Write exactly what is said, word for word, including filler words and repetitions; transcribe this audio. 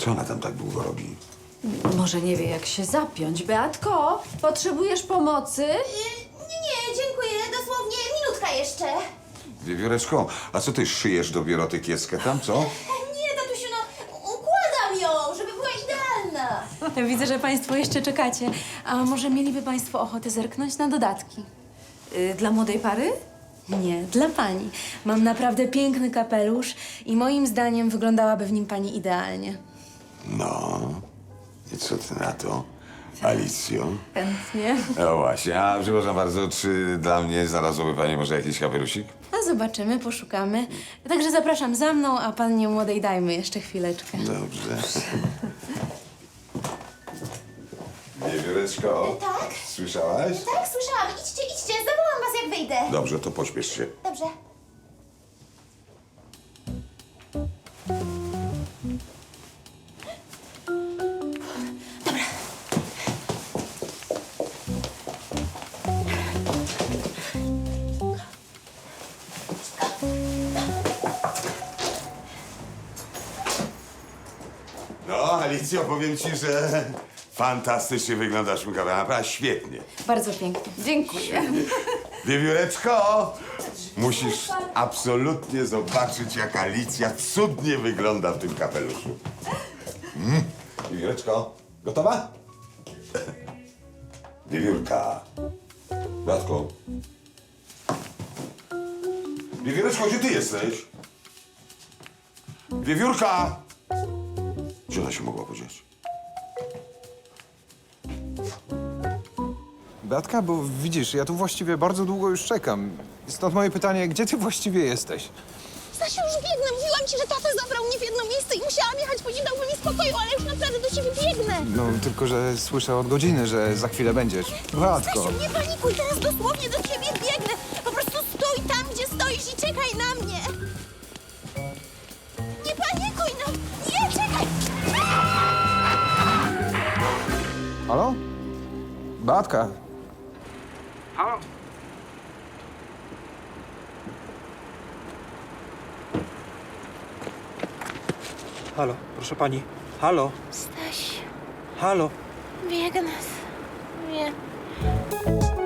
Co ona tam tak długo robi? Może nie wie, jak się zapiąć. Beatko, potrzebujesz pomocy? Nie, nie, dziękuję. Dosłownie minutka jeszcze. Wiewióreczko, a co ty szyjesz dopiero tę kieskę tam, co? Nie, tatusiu, no układam ją, żeby była idealna. Widzę, że państwo jeszcze czekacie. A może mieliby państwo ochotę zerknąć na dodatki? Y, dla młodej pary? Nie, dla pani. Mam naprawdę piękny kapelusz i moim zdaniem wyglądałaby w nim pani idealnie. No, i co ty na to, Alicjo? Chętnie. No właśnie, a przepraszam bardzo, czy dla mnie znalazłoby pani może jakiś kapelusik? A zobaczymy, poszukamy. Także zapraszam za mną, a pannie młodej dajmy jeszcze chwileczkę. Dobrze. Wiewióreczko, Tak? słyszałaś? Tak, słyszałam. Idźcie, idźcie, zawołam was, jak wyjdę. Dobrze, to pośpiesz się. Dobrze. No, Alicjo, powiem ci, że fantastycznie wyglądasz, Mikawa, naprawdę świetnie. Bardzo pięknie. Dziękuję. Wiewióreczko, musisz absolutnie zobaczyć, jak Alicja cudnie wygląda w tym kapeluszu. Mm. Wiewióreczko, gotowa? Wiewiórka. Bratko. Wiewióreczko, gdzie ty jesteś? Wiewiórka! Gdzie ona się mogła podzieć? Beatka, bo widzisz, ja tu właściwie bardzo długo już czekam. Stąd moje pytanie, gdzie ty właściwie jesteś? Stasiu, już biegnę. Mówiłam ci, że tata zabrał mnie w jedno miejsce i musiałam jechać, bo nie dałby mi spokoju, ale już naprawdę do ciebie biegnę. No, tylko że słyszę od godziny, że za chwilę będziesz. Beatko! Stasiu, nie panikuj, teraz dosłownie do ciebie biegnę. Po prostu stój tam, gdzie stoisz i czekaj na mnie. Nie panikuj, no. Nie, czekaj. Halo? Beatka? Halo? Halo, proszę pani. Halo, Staś, halo. biegnę. Nie.